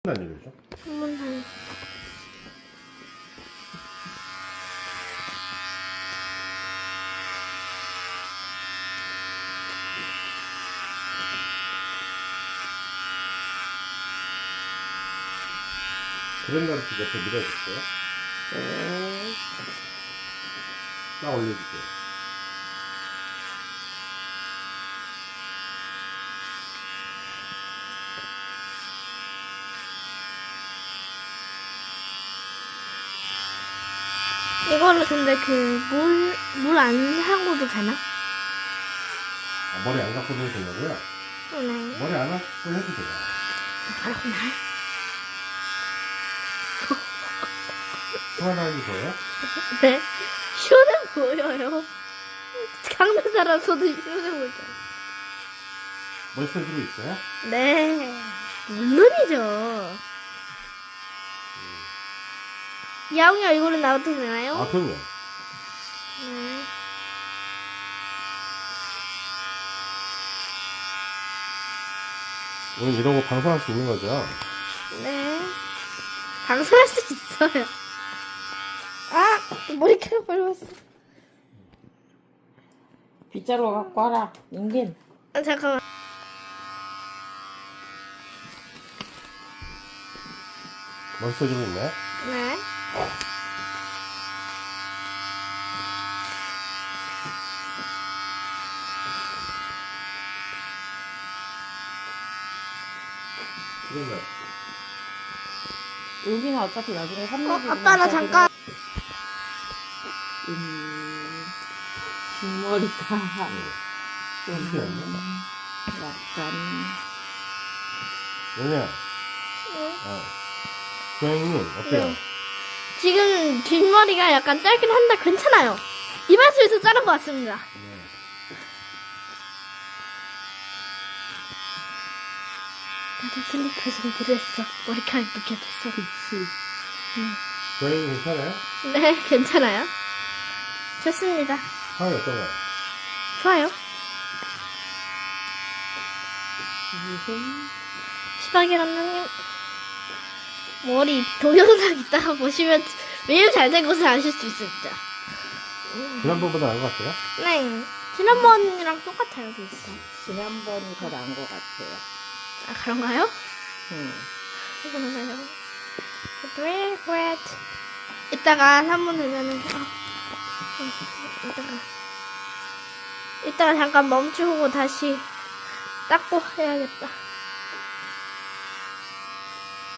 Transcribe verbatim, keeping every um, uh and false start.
다니죠? 한 번 다니. 그랜다르트 옆에 밀어줄게요. 네. 딱 올려주세요. 이걸로 근데 그 물 물 안 하고도 되나? 아, 머리 안 감고 해도 되냐고요? 네. 머리 안 감고 해도 돼요. 그렇구나. 시원하게 보여요? 네. 시원해 보여요. 강남 사람 손도 시원해 보이죠. 머리카락으로 있어요? 네. 물론이죠. 야옹이 얼굴은 나와도 되나요? 아, 그럼요. 네. 오늘 이런 거 방송할 수 있는 거죠? 네. 방송할 수 있어요. 아! 머리카락 밟았어. 빗자루 갖고 와라, 인긴. 아, 잠깐만. 머리 써주고 있네. 네. 그러면 여기는 어차피 나중에 어, 삼각이 아빠 나 잠깐. 음, 뒷머리가 좀 이게 아니야? 약간 왜냐? 네. 아, 고양이님 어때요? 네. 지금 뒷머리가 약간 짧긴 한데 괜찮아요. 이발소에서 자른 것 같습니다. 네. 나도 슬리퍼 좀 그랬어. 머리카락 느껴졌어. 그치. 고양이 괜찮아요? 네, 괜찮아요. 좋습니다. 상황이 어떤가요? 좋아요. 무슨 시바기란나님 머리 동영상 이따가 보시면 매우 잘 된 것을 아실 수 있습니다. 지난번보다 나은 것 같아요? 네, 지난번이랑 똑같아요, 비슷해. 지난번이 더 나은 것 같아요. 아, 그런가요? 응. 그런가요? 그래, 그래. 이따가 삼 분 되면은, 아, 음, 이따가. 이따가 잠깐 멈추고 다시 닦고 해야겠다.